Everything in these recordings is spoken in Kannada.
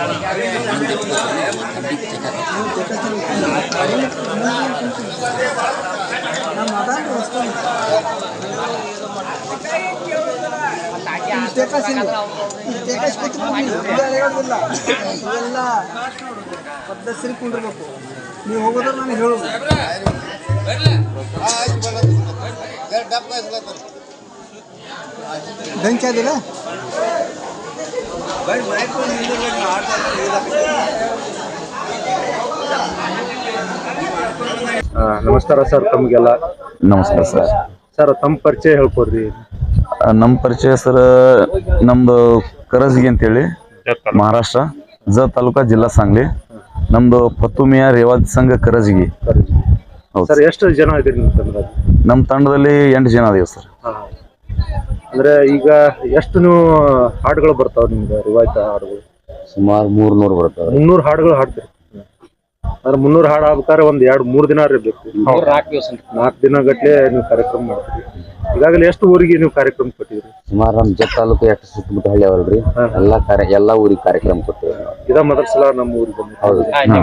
ಪದ್ಧತಿ ಕುಂಡಿರ್ಬೇಕು. ನೀವು ಹೋಗೋದ್ರ ನಾನು ಹೇಳೋದು ಬೆಂಕಿ ಆದಿಲ್ಲ. ನಮಸ್ಕಾರ ಸರ್. ತಮಗೆಲ್ಲ ನಮಸ್ಕಾರ ಸರ್. ಸರ್ ತಮ್ಮ ಪರಿಚಯ ಹೇಳ್ಕೊಡ್ರಿ. ನಮ್ಮ ಪರಿಚಯ ಸರ್, ನಮ್ದು ಕರಜಗಿ ಅಂತೇಳಿ ಮಹಾರಾಷ್ಟ್ರ ತಾಲೂಕಾ ಜಿಲ್ಲಾ ಸಾಂಗ್ಲಿ. ನಮ್ದು ಫತುಮಿಯಾ ರೇವಾಜ್ ಸಂಘ ಕರಜಗಿ. ಸರ್ ಎಷ್ಟು ಜನ ಇದ್ದೀರಿ ನಿಮ್ಮ ತಂಡದಲ್ಲಿ? ನಮ್ಮ ತಂಡದಲ್ಲಿ 8 ಜನ ಅದೇವ್ ಸರ್. ಅಂದ್ರೆ ಈಗ ಎಷ್ಟು ನೀವು ಹಾಡುಗಳು ಬರ್ತಾವ ನಿಮ್ಗೆ? ರಿವಾಯ್ತ ಹಾಡುಗಳು ಸುಮಾರು 300 ಬರ್ತಾವೆ. 300 ಹಾಡುಗಳು ಹಾಡ್ತೀರಿ. ಅಂದ್ರೆ 300 ಹಾಡು ಆಗ್ಬೇಕಾದ್ರೆ ಒಂದ್ 2-3 ದಿನ ಇರಬೇಕು. 4 ದಿನ ಗಟ್ಲೆ ನೀವು ಕಾರ್ಯಕ್ರಮ ಮಾಡ್ತೀರಿ. ಈಗಾಗಲೇ ಎಷ್ಟು ಊರಿಗೆ ನೀವು ಕಾರ್ಯಕ್ರಮ ಕೊಟ್ಟಿದ್ರಿ? ಸುಮಾರು ನಮ್ಮ ಜತ್ ತಾಲೂಕು ಎಷ್ಟು ಸುತ್ತಮುತ್ತ ಹಳ್ಳಿ ಅವಲ್ರಿ, ಎಲ್ಲಾ ಊರಿಗೆ ಕಾರ್ಯಕ್ರಮ ಕೊಟ್ಟಿವಿ. ಇದ ಮೊದಲ ಸಲ ನಮ್ಮ ಊರಿಗೆ ಬಂದ? ಹೌದು.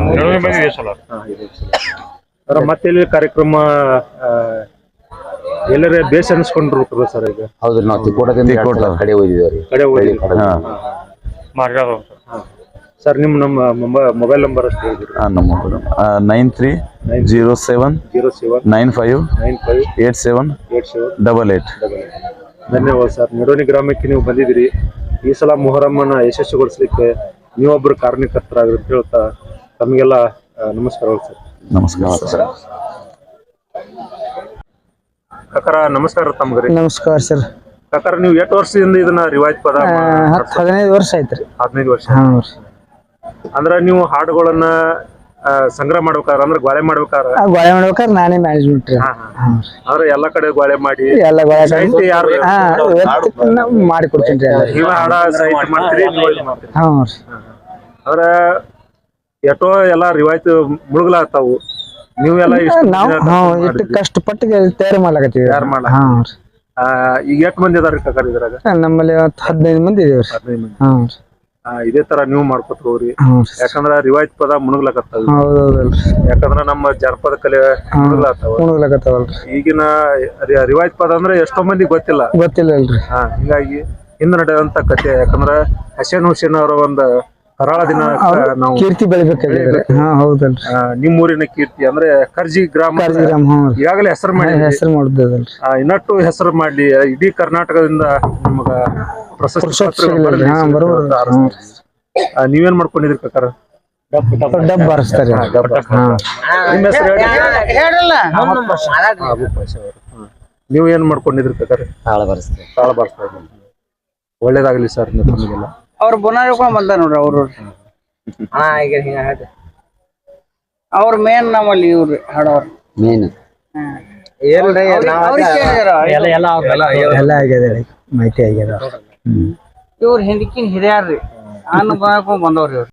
ಮತ್ತೆ ಇಲ್ಲಿ ಕಾರ್ಯಕ್ರಮ ಎಲ್ಲರೇ ಬೇಸ್ ಅನ್ಸ್ಕೊಂಡಿರ್ಬೇಕು ಸರ್ ಈಗ? ಹೌದ್ರಿ, ನಾವು ತಿಕೋಟದಿಂದ ಕಡೆ ಹೋಗಿದ್ದೀವಿ. ಸರ್ ನಿಮ್ಮ ಮೊಬೈಲ್ ನಂಬರ್ ಅಷ್ಟು ಹೇಳಿದ್ರಿ? ನಮ್ಮ 9307958788. ಧನ್ಯವಾದ ಸರ್. ನಿಡೋಣಿ ಗ್ರಾಮಕ್ಕೆ ನೀವು ಬಂದಿದ್ದೀರಿ. ಈ ಸಲ ಮೊಹರಮ್ಮನ ಯಶಸ್ವಿಗೊಳಿಸ್ಲಿಕ್ಕೆ ನೀವೊಬ್ಬರು ಕಾರಣಕರ್ತರಾಗ್ರಿ ಅಂತ ಹೇಳ್ತಾ ತಮಗೆಲ್ಲ ನಮಸ್ಕಾರಗಳು ಸರ್. ನಮಸ್ಕಾರ ಸರ್. ಕಾಕಾರ ನಮಸ್ಕಾರ. ತಮ್ಗ್ರಿ ನಮಸ್ಕಾರ ಸರ್. ಕಾಕಾರ ನೀವು ಎಷ್ಟು ವರ್ಷದಿಂದ ಇದನ್ನ ರಿವಾಯ್ತ್ ಪದ? 15 ವರ್ಷ ಆಯ್ತ್ರಿ. 15 ವರ್ಷ. ಅಂದ್ರ ನೀವು ಹಾಡುಗಳನ್ನ ಸಂಗ್ರಹ ಮಾಡ್ಬೇಕಾರ, ಅಂದ್ರೆ ಗೋಳೆ ಮಾಡ್ಬೇಕಾರ ನಾನೇ ಮ್ಯಾನೇಜ್ಮೆಂಟ್ ರೀ. ಅಂದ್ರೆ ಎಲ್ಲಾ ಕಡೆ ಗೋಳೆ ಮಾಡಿ ಎಲ್ಲ ಮಾಡಿ ಕೊಡ್ತೀನಿ. ನೀವ ಹಾಡ ಸಾಹಿತ್ಯ ಮಾಡ್ತೀರಿ, ನೀವು ಇದು ಮಾಡ್ತೀರಿ. ಅಂದ್ರ ಎಷ್ಟೋ ಎಲ್ಲಾ ರಿವಾಯ್ತ್ ಮುಳುಗ್ಲಾಗ್ತಾವು. ನೀವೆಲ್ಲ ಇಷ್ಟು ಕಷ್ಟಪಟ್ಟು ತಯಾರು ಮಾಡ್ಲಾಕತ್ತೀವಿ. ಈಗ ಎಷ್ಟು ಮಂದಿ ಅದಾರ ಕಾಕಾರ ಇದ್ರಾಗ? ನಮ್ಮಲ್ಲಿ 15 ಮಂದಿ ಇದೇವ್ರಿ. 15 ಮಂದಿ. ಇದೇ ತರ ನೀವು ಮಾಡ್ಕೊತ ಹೋಗ್ರಿ. ಯಾಕಂದ್ರ ರಿವಾಯ್ತ್ ಪದ ಮುಳುಗ್ಲಾಕತ್ತಾವ. ಯಾಕಂದ್ರ ನಮ್ಮ ಜನಪದ ಕಲೆ ಮುಳುಗ್ಲಾಕತ್ತಾವಲ್ರಿ. ಈಗಿನ ರಿವಾಯ್ತ್ ಪದ ಅಂದ್ರೆ ಎಷ್ಟೋ ಮಂದಿ ಗೊತ್ತಿಲ್ಲ ಅಲ್ರಿ. ಹಿಂಗಾಗಿ ಹಿಂದೆ ನಡೆಯುವಂತ ಕಥೆ. ಯಾಕಂದ್ರ ಹಸೇನ್ ಹುಸೇನ್ ಅವರ ಒಂದು ಕರಾಳ ದಿನ ನಾವು ಕೀರ್ತಿ ಬೆಳಿಬೇಕಾದ್ರೆ ನಿಮ್ಮ ಊರಿನ ಕೀರ್ತಿ ಅಂದ್ರೆ ಕರ್ಜಿ ಗ್ರಾಮ ಈಗಾಗಲೇ ಹೆಸರು ಮಾಡಿದ್ದಲ್ರಿ. ಇನ್ನಟ್ಟು ಹೆಸರು ಮಾಡ್ಲಿ, ಇಡೀ ಕರ್ನಾಟಕದಿಂದ ನಮಗ ಪ್ರಶಸ್ತಿ. ನೀವೇನ್ ಮಾಡ್ಕೊಂಡಿದ್ರಿ ಕಾಕಾರ? ಡಬ್ ಬಾರಿಸ್ತಾರೆ. ನಿಮ್ಮ ಹೆಸರು ನೀವು ಏನ್ ಮಾಡ್ಕೊಂಡಿದ್ರಿ ಕಾಕಾರ? ತಾಳ ಬಾರಿಸ್ತಾರೆ. ತಾಳ ಬಾರಿಸ್ತಾ ಇದ್ದೀನಿ. ಒಳ್ಳೇದಾಗ್ಲಿ ಸರ್ ನಿಮಗೆಲ್ಲ. ಅವ್ರು ಬುನಾರಿ ಬಂದ ನೋಡ್ರಿ. ಅವ್ರು ಅವ್ರ ಮೇನ್ ನಮ್ಮಲ್ಲಿ ಇವ್ರಿ ಹಾಡೋರು ಮೇನ್. ಎಲ್ಲ ಆಗ್ಯದ, ಮಾಹಿತಿ ಆಗ್ಯದ. ಇವ್ರು ಹಿಂದಕ್ಕಿನ ಹಿರಿಯಾರ್ರಿ. ಅನ್ನ ಬಂದವ್ರಿ ಇವ್ರು.